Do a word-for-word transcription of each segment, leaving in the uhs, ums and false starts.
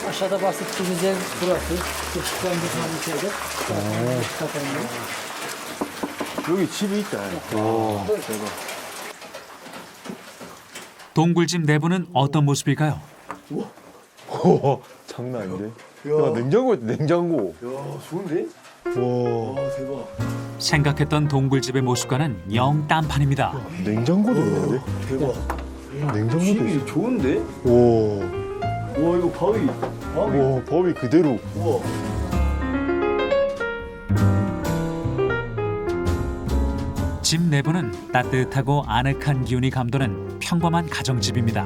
Aşağıda bahsettiğimiz ev burası. Işıklandı falan içeride. Kapanıyor. 여기 집이 있다. 와, 대박. 동굴집 내부는 어떤 모습일까요? 와, 장난 아닌데? 야, 냉장고 있다, 냉장고. 야, 좋은데? 와, 대박. 생각했던 동굴집의 모습과는 영 딴판입니다. 냉장고도 있는데? 대박. 냉장고도 집이 있어. 좋은데? 와, 와 이거 바위 바위 와, 법이 그대로. 우와 집 내부는 따뜻하고 아늑한 기운이 감도는 평범한 가정집입니다.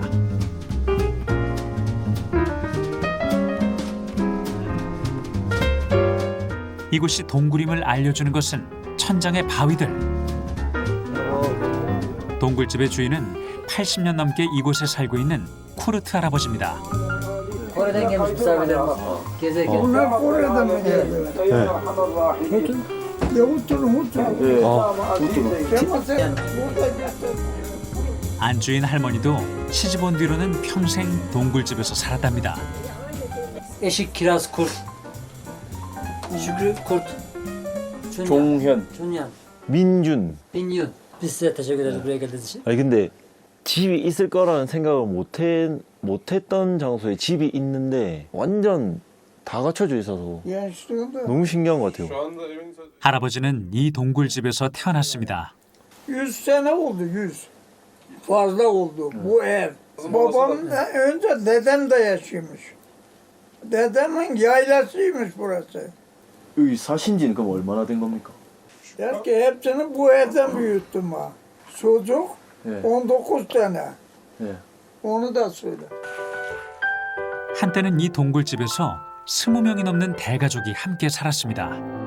이곳이 동굴임을 알려주는 것은 천장의 바위들. 동굴집의 주인은 팔십 년 넘게 이곳에 살고 있는 쿠르트 할아버지입니다. Kore'den gelmiş misafirlerim var. Gezerken. Bunlar Kore'den mi geldi? Hutun. Ya Hutun, Hutun. Kemal sen burada geldin. 안주인 할머니도 시집 온 뒤로는 평생 동굴집에서 살았답니다. Eşik Kiraz Kurt. Şükrü Kurt. Çunyan. 종현 Çunyan. 민준. Binyun. Biz size teşekkür ederiz buraya geldiğiniz için. 아니, 근데 집이 있을 거라는 생각을 못, 해, 못 했던 장소에 집이 있는데 완전 다 갖춰져 있어서 Gençliğinde 너무 신기한 것 같아요. 할아버지는 이 동굴집에서 태어났습니다. yüz sene oldu, yüz. Fazla oldu bu ev. Babam da önce dedem de yaşıyormuş. Dedemin yaylasıymış burası. 여기 사신 지는 그럼 얼마나 된 겁니까? Der ki hepsini bu evden büyüttüm ha. Çocuk 예. on dokuz tane. 예. Onu da söyle. 한때는 이 동굴집에서 스무 명이 넘는 대가족이 함께 살았습니다.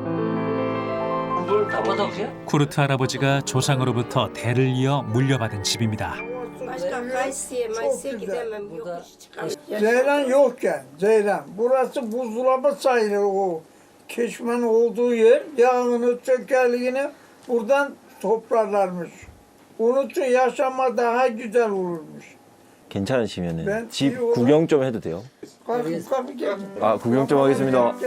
Bu Kapadokya. 쿠르트 할아버지가 조상으로부터 대를 이어 물려받은 집입니다. Başka Kayseri'ye, Mayıs'a gidemem. Yokuş çıkamam. Ceylan yokken, Ceylan. Burası buzdolabı sayılır o. Keşmenin olduğu yer, yağını, çökerliğini buradan toplarlarmış. Onun için yaşama daha güzel olurmuş. 괜찮으시면 네, 집 이거- 구경 좀 해도 돼요? Kalkın kalkın gelin. 아, 구경 좀 하겠습니다.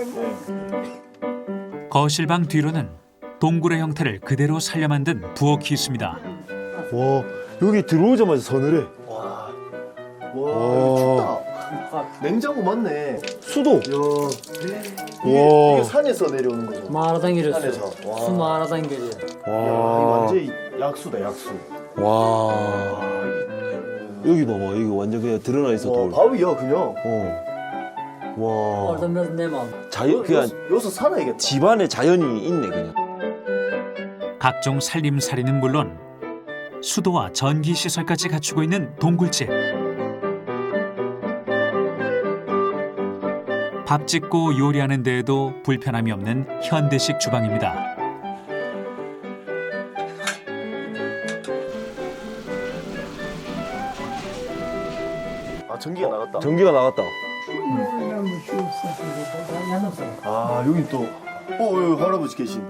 거실방 뒤로는 동굴의 형태를 그대로 살려 만든 부엌이 있습니다. 와, 여기 들어오자마자 서늘해. 와 와. 춥다 냉장고 맞네 수도. 야 이게, 와. 이게 산에서 내려오는 거죠? Mağaradan giriyorsun. 산에서 와. Su mağaradan geliyor. 야, 이거 와. 완전히 약수다 약수 와. 와, 여기 봐봐. 여기 완전 그냥 드러나 있어, 와 돌. 바위야 그냥 어. 와. Oradan biraz nem al. 자연, 그냥 여기서, 여기서 살아야겠다 집안에 자연이 있네, 그냥. 각종 살림살이는 물론 수도와 전기 시설까지 갖추고 있는 동굴집. 밥 짓고 요리하는 데에도 불편함이 없는 현대식 주방입니다. 아 전기가 나갔다 전기가 나갔다. Oynamış yoksa. Ben yandım sana. 아 여긴 또 어, 여기 할아버지 계신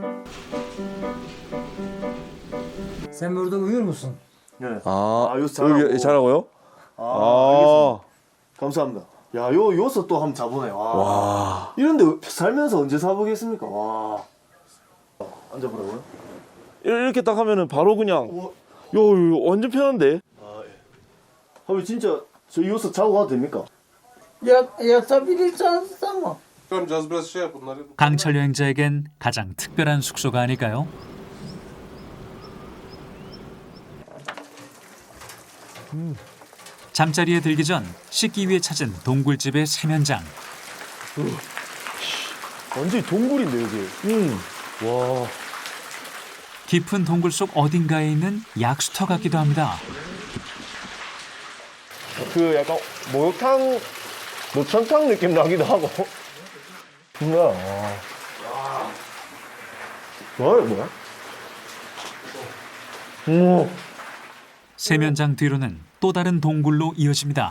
Sen burada uyur musun? 네. 아, 아, 여기서 자라고. 여기 자라고요? 아, 아. 알겠습니다. 감사합니다. 야, 요 요서 또 한번 자보네. 와. 와. 이런데 살면서 언제 사보겠습니까? 와. 앉아보라고요? 이렇게 딱 하면은 바로 그냥, 우와. 요, 요, 완전 편한데? 아, 예. 하면 진짜 저 요서 자고 가도 됩니까? Yat, yatabilirseniz tamam. Tamam caz biraz şey yap bunları. 강철 여행자에겐 가장 특별한 숙소가 아닐까요? 잠자리에 들기 전 씻기 위해 찾은 동굴집의 세면장. 완전히 동굴인데, 여기. 응. 와. 깊은 동굴 속 어딘가에 있는 약수터 같기도 합니다. 그 약간 목욕탕, 노천탕 느낌 나기도 하고. 뭐야, 와. 뭐야, 뭐야? 오. 세면장 뒤로는 또 다른 동굴로 이어집니다.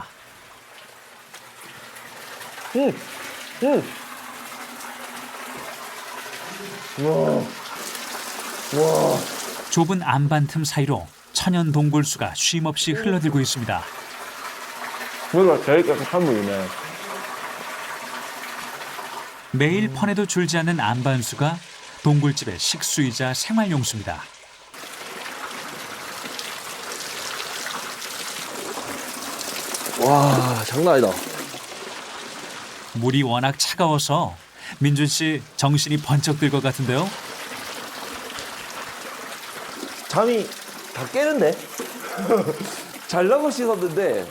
응, 응. 와. 와. 좁은 안반 틈 사이로 천연 동굴수가 쉼없이 흘러들고 있습니다. 여기가 제일 깨끗한 물이네. 매일 퍼내도 줄지 않는 안반수가 동굴집의 식수이자 생활용수입니다. 와, 장난 아니다. 물이 워낙 차가워서 민준 씨 정신이 번쩍 들 것 같은데요. 잠이 다 깨는데? 잘라고 씻었는데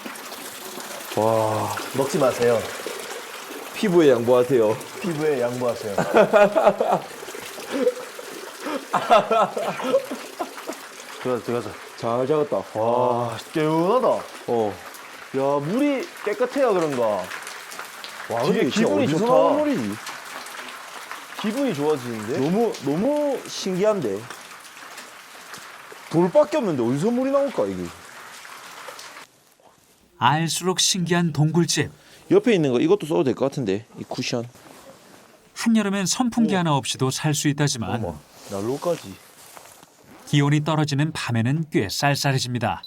와, 먹지 마세요. 피부에 양보하세요. 피부에 양보하세요. 들어가자, 들어가자. 잘 잡았다. 와, 개운하다. 어. 야, 물이 깨끗해야 그런가. 와, 근데 이게 진짜 기분이 어디서 좋다. 나온 물이지? 기분이 좋아지는데? 너무 너무 신기한데. 돌밖에 없는데 어디서 물이 나올까 이게? 알수록 신기한 동굴집. 옆에 있는 거 이것도 써도 될 것 같은데 이 쿠션. 한여름엔 선풍기 하나 없이도 살 수 있다지만 어머. 난로까지. 기온이 떨어지는 밤에는 꽤 쌀쌀해집니다.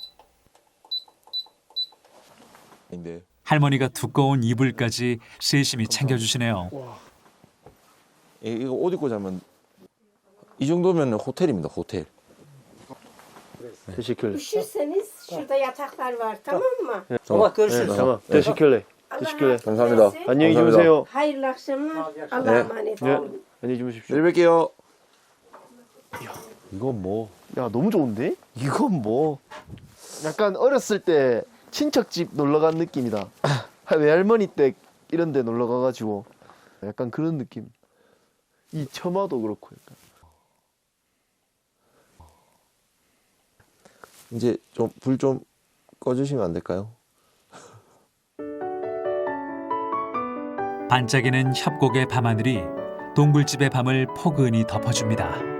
근데 할머니가 두꺼운 이불까지 세심히 챙겨주시네요. 이- 이거 옷 입고 자면 이 정도면 호텔입니다 호텔. Teşekkürler. Üşürseniz şurada yataklar var tamam mı? Sabah görüşürüz. Tamam. Teşekkürler. Allah Teşekkürler. razı 감사합니다. olsun. 안녕히 감사합니다. 주무세요. Hayırlı akşamlar. Allah'a emanet 네. olun. 안녕히 주무십시오. 내일 뵐게요. 이건 뭐? 야, 너무 좋은데? 이건 뭐? 약간 어렸을 때 친척집 놀러 간 느낌이다. 외할머니 댁 이런 데 놀러 가가지고 약간 그런 느낌. 이 처마도 그렇고 약간. 이제 좀 불 좀 꺼주시면 안 될까요? 반짝이는 협곡의 밤하늘이 동굴집의 밤을 포근히 덮어줍니다.